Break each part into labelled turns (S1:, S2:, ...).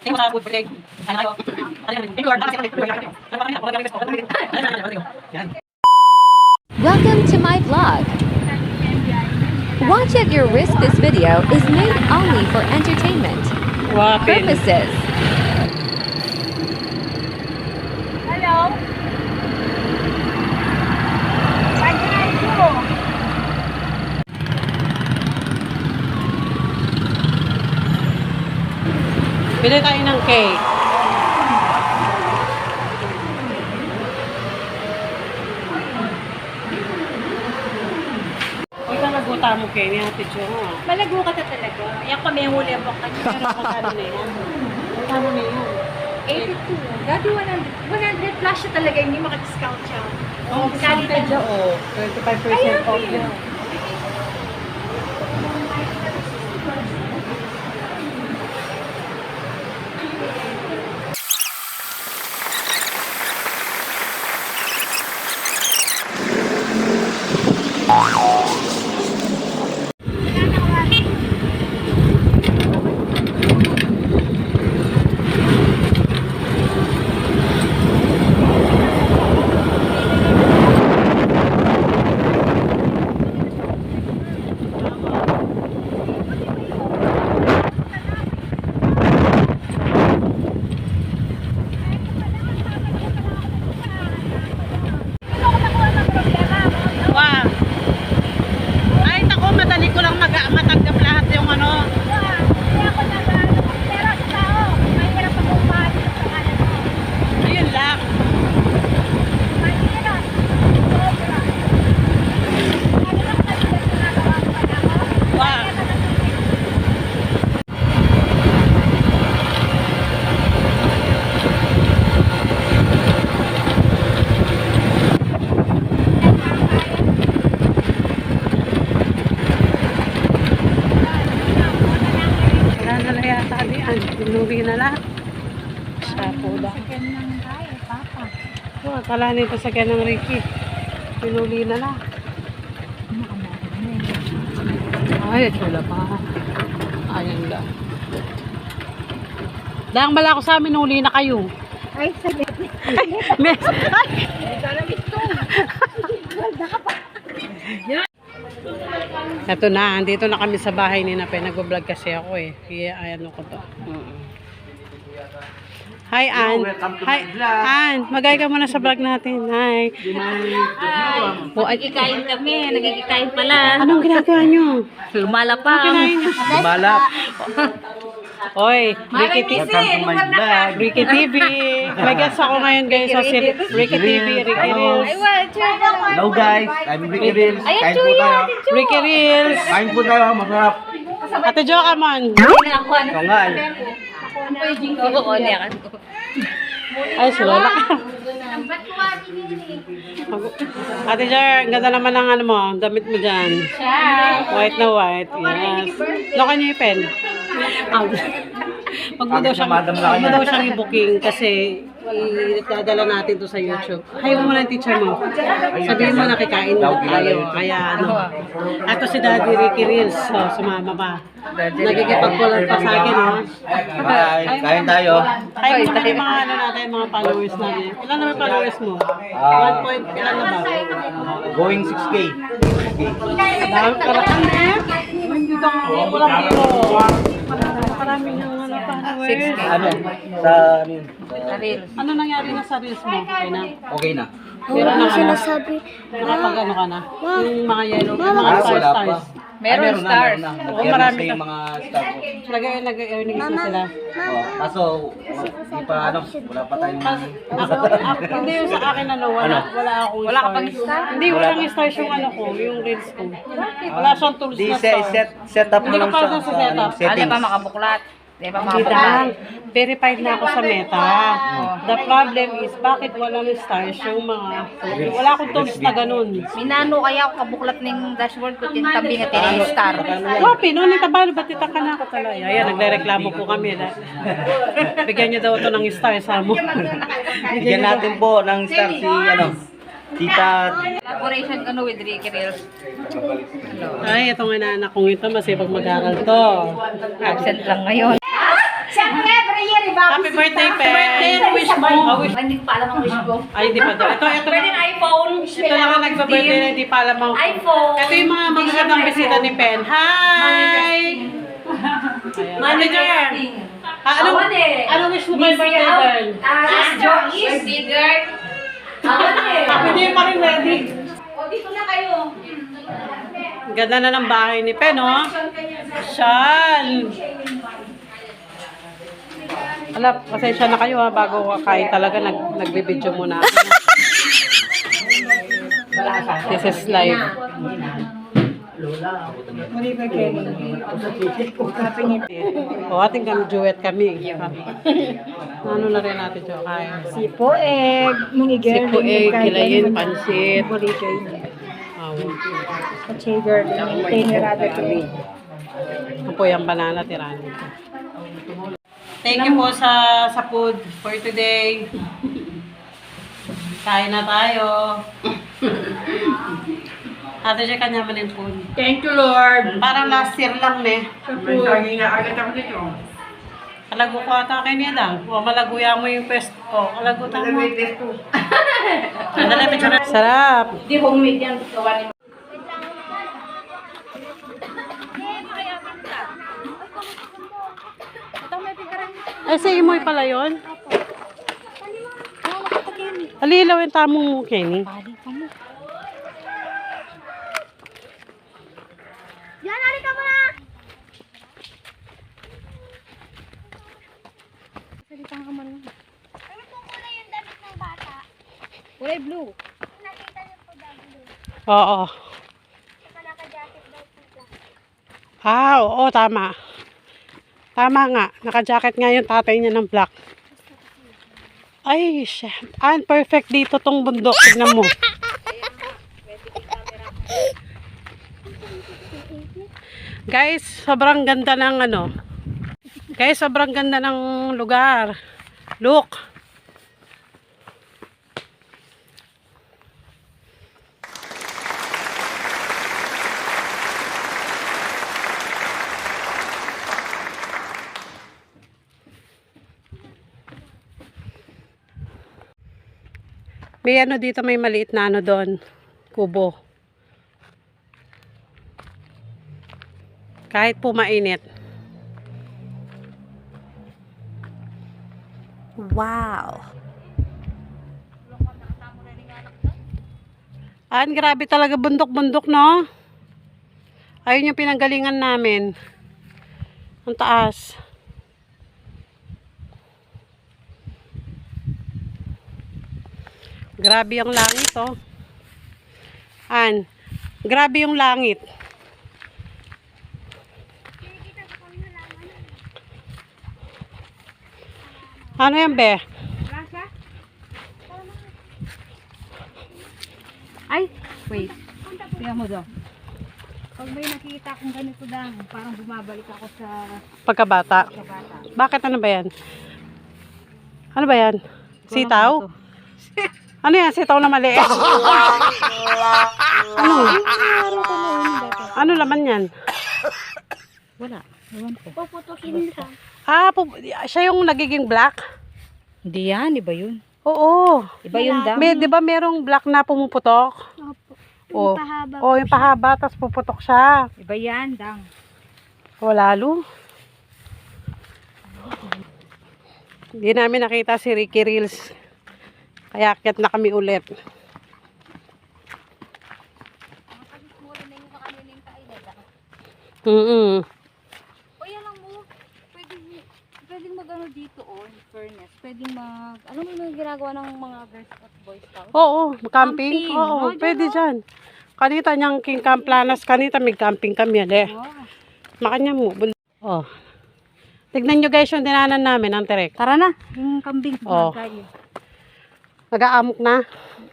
S1: Welcome to my vlog. Watch at your risk. This video is made only for entertainment purposes.
S2: Hello? Saan ka na ito?
S3: Bili tayo ng cake. Huwag ka naguta mo, Kenny. Hatid siya mo.
S2: Malago ka na talaga. Yan kami yung huli ang baka niya.
S3: Pero magkano na yan? Magkano na yan?
S2: 82. Dati 100 plus siya talaga. Hindi maka-discount siya.
S3: Oo, discounted siya. 25% off yan. Pinuwi na lahat. Siya po lang. Oh, akala nito sa kanya ng Ricky. Pinuli na lang. Ay, wala pa. Ayan lang. Dahang bala ko sa amin, huli na kayo.
S2: Ay, saglit.
S3: Mes. Ay! Ito na, andito na kami sa bahay ni Nape. Nag-vlog kasi ako eh. Kaya ayan ko to. Hi, Ann. Hi, Ann. Magay ka muna sa vlog natin. Hi.
S2: Nagkikain kami. Nagkikain pala.
S3: Anong ginagawa nyo?
S2: Lumalapang.
S4: Malap.
S3: Oy, Ricky TV. Ricky TV. May guest ako ngayon guys sa Ricky TV, Ricky Reels.
S4: Hello guys, I'm Ricky Reels. Kain po tayo.
S3: Ricky Reels.
S4: Kain po tayo, masarap.
S3: Ate Jo, come on.
S4: Ito nga.
S3: Ay, sila ka. Ate Jo, ang ganda naman ng ano mo, damit mo dyan. White na white. Yes. Lokan niyo yung pen. Wag mo daw siyang i-booking kasi idadala natin to sa YouTube. Ayaw mo ng teacher mo. Sabihin mo na kikain mo tayo. Kaya ano. Ito si Daddy Ricky Reels. So, sumama pa. Nagkikipagpulan pa sa akin, no?
S4: Bye. Kain tayo.
S3: Ayaw mo na yung mga ano natin, mga followers natin. Ilan naman followers mo? 1 point, ilan na ba?
S4: Going 6K.
S3: Dahil karaan eh. Hindi ka walang biro. Marami ng ano followers.
S4: Ano? Sa ano yun?
S3: Ano nangyari na sa reels mo? Okay na?
S4: Okay na.
S3: Pero na sinasabi. Nakapag ano ka na? Yung mga yellow, yung mga
S4: Wala pa.
S3: stars.
S4: Meron stars.
S3: Oo, marami
S4: na
S3: ka.
S4: yung mga stars ko.
S3: Nag-earnings na sila.
S4: Oh, kaso, di pa ano, wala pa tayong...
S3: Hindi yung sa akin ano, wala akong
S2: Wala ka
S3: stars.
S2: pang star?
S3: Hindi, walang stars yung ano ko, yung reels ko. Wala siyang tools
S4: Di
S3: na star.
S4: set up mo
S3: Hindi ka
S4: lang
S3: pa
S4: siya
S3: sa setup.
S4: settings.
S2: makabuklat? Di ba
S3: Hindi lang. Verified na ako sa Meta. The problem is, bakit walang stars yung mga... Wala akong tools na ganun.
S2: Minano kaya ako kabuklat ng dashboard ko, tintabi nga tinay star.
S3: Copy, no? Nitabalo, ba't ka na ako talaga? Ayan, nagre-reklamo po kami. Bigyan niyo daw ito ng stars, ha mo.
S4: Bigyan natin po ng star si ano, Tita.
S2: Collaboration ko with Ricky Reels.
S3: Ay, itong inaanak kong ito, masipag mag-aral to.
S2: Absent lang ngayon.
S5: Siyempre, every year, iba
S3: birthday, Pen. Wish mo.
S2: Hindi ko pa alam ang wish ko.
S3: Ay, hindi pa daw. Ito
S2: Pwede
S3: lang.
S2: na iPhone.
S3: Ito lang ang nagpa-birthday na hindi pa alam ang
S2: iPhone.
S3: Ito yung mga magagandang bisita ni Pen. Hi! Manager! Ano wish mo kay birthday, girl?
S2: Birthday girl.
S3: Hindi pa rin ready.
S2: O, dito na kayo.
S3: Ganda na ng bahay ni Pen, oh. Shan! Ala, pasensya na kayo ha, bago kakain talaga, nagbibideo muna ako. This is live. O, ating kami, duet kami. Ano na rin natin, Jo? Kaya.
S2: Sipo egg.
S3: Sipo egg, kilayin, pansit.
S2: Sugar. Tinirada ko.
S3: Ito po yung banana tirani. Thank you po sa food for today. Kain na tayo. Ate siya kanya man yung food.
S2: Thank you, Lord.
S3: Parang last year lang ne. Kalago ko ata kay niya lang. O malaguya mo yung pest. O kalago tamo. Andala picture. Sarap.
S2: Di homemade yan. Gawa ni
S3: Ay, sa imoy pala yun? Alilaw yung tamong mo, Kenny.
S5: Yan, halika mo na! Salita ka man lang. Ano pong kulay yung damit ng bata?
S2: kulay blue.
S5: Nakita niyo po blue.
S3: Oo.
S5: Saka naka-jacket daw po siya.
S3: Ah, oo, tama. Tama nga. Naka-jacket nga yung tatay niya ng black. Ay, shit. Perfect dito tong bundok. Tignan mo. Guys, sobrang ganda ng ano. Guys, sobrang ganda ng lugar. Look. May ano dito, may maliit na ano doon. Kubo. Kahit po mainit.
S1: Wow.
S3: Grabe talaga bundok-bundok, no? Ayun yung pinanggalingan namin. Ang taas. Grabe yung langit, oh. Grabe yung langit. Ano yan, be?
S2: Ay, wait. Tingnan mo daw. Pag may nakikita akong ganito lang, parang bumabalik ako sa
S3: Pagkabata.
S2: bata.
S3: Bakit? Ano ba yan? Ano ba yan? Sitaw? Ano yan? Sitaw na maliit? Ano? Ano laman yan?
S2: Wala. Ewan ko.
S5: Puputukin ka.
S3: Siya yung nagiging black?
S2: Hindi yan, iba yun.
S3: Oo.
S2: Iba yun daw.
S3: Di ba merong black na pumuputok?
S5: Opo.
S3: Oh.
S5: Yung pahaba.
S3: Oh, yung pahaba, tapos puputok siya.
S2: Iba yan, dang.
S3: O, lalo. Hindi namin nakita si Ricky Reels. Kaya akyat na kami ulit.
S5: Yan lang mo. Pwedeng mag-ano dito, in fairness. Pwedeng ano mo yung ginagawa ng mga girls at boys scouts?
S3: Oo, camping.
S5: Camping.
S3: Oo,
S5: Oh,
S3: pwede dyan. Kanita niyang King Camp Planas, kanita may camping kami yan eh. Makanya mo. Oh. Tignan nyo guys yung dinanan namin, ang terek.
S2: Tara na, yung kambing.
S3: Oh. Nag-aamok na.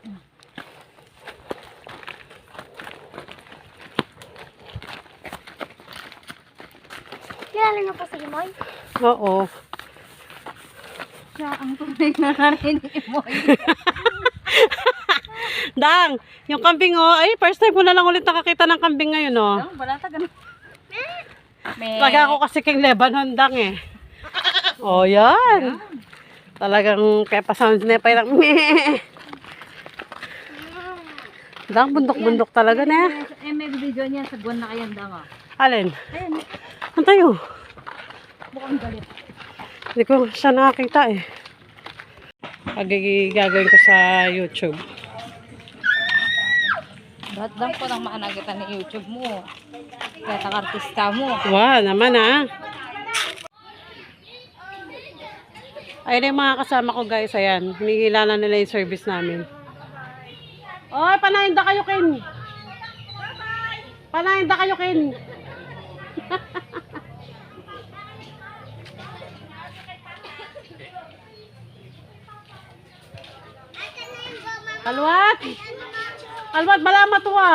S5: Kilala niyo po si Imoy?
S3: Oo.
S2: Siya ang tunay na narinig mo.
S3: Dang, yung kambing oh, ay first time ko na lang ulit nakakita ng kambing ngayon oh.
S2: Wala ta ganun.
S3: Lagi ako kasi king Lebanon dang eh. Oh, yan. Talagang kaya pa sounds na parang meh. Dang bundok-bundok talaga na.
S2: may video niyan sa buwan na kayan dang ah.
S3: Alin?
S2: Ayan,
S3: Ang tayo?
S2: mukhang galit.
S3: Hindi ko siya nakakita eh. Gagawin ko sa YouTube.
S5: Ba't lang po nang maanagitan ni YouTube mo? Kaya artista mo.
S3: Wow, naman ah. Ayun yung mga kasama ko guys, ayan. Hinihila na nila yung service namin. Oy, panahin da kayo, Ken. Panahin da kayo, Ken. Alwat! Alwat, bala matuwa.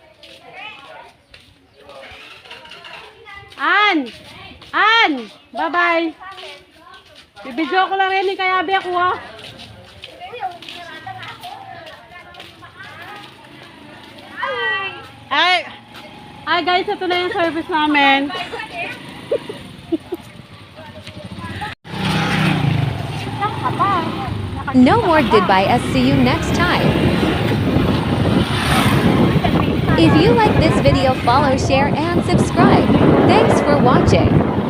S3: An! Bye-bye. Bibidyo ko lang rin ni Kayabi ako ha. Ay guys, ito na yung service namin.
S1: No more goodbye, us. See you next time. If you like this video, follow, share, and subscribe. Thanks for watching.